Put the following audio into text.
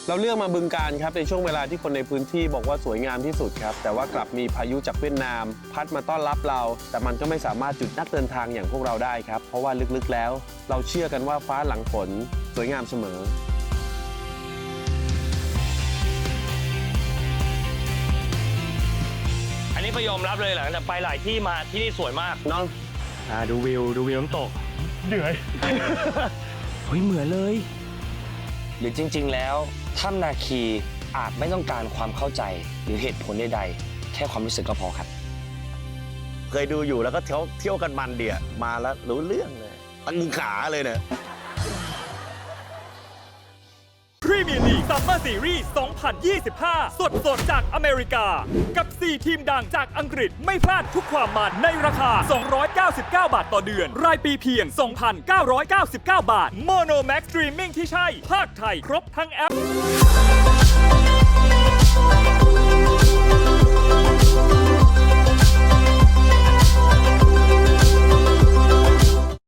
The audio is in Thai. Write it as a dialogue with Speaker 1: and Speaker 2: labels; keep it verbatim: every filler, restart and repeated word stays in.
Speaker 1: เราเลือกมาบึงกาฬครับในช่วงเวลาที่คนในพื้นที่บอกว่าสวยงามที่สุดครับแต่ว่ากลับมีพายุจากเวียดนามพัดมาต้อนรับเราแต่มันก็ไม่สามารถหยุดนักเดินทางอย่างพวกเราได้ครับเพราะว่าลึกๆแล้วเราเชื่อกันว่าฟ้าหลังฝนสวยงามเสมอ
Speaker 2: อันนี้ก็ยอมรับเลยหลังจากไปหลายที่มาที่นี่สวยมาก
Speaker 1: เนาะ
Speaker 2: อ่าดูวิวดูวิวน้ำตกเหนื่อย
Speaker 3: เฮ้ยเหมือนเลย
Speaker 4: หรือจริงๆ แล้วถ้ำนาคีอาจไม่ต้องการความเข้าใจหรือเหตุผลใดๆ แค่ความรู้สึกก็พอครับ
Speaker 5: เคยดูอยู่แล้วก็เที่ยวเที่ยวกันมันเดียมาแล้วรู้เรื่องเลยตั้งขาเลยเนี่ย
Speaker 6: พรีเมียร์ลีกซัมเมอร์ซีรีส์ สองพันยี่สิบห้า สดสดจากอเมริกา กับ สี่ ทีมดังจากอังกฤษไม่พลาดทุกความมันในราคา สองร้อยเก้าสิบเก้า บาทต่อเดือน รายปีเพียง สองพันเก้าร้อยเก้าสิบเก้า บาท โมโนแม็กซ์สตรีมมิ่งที่ใช่ ภาคไทยครบทั้งแอป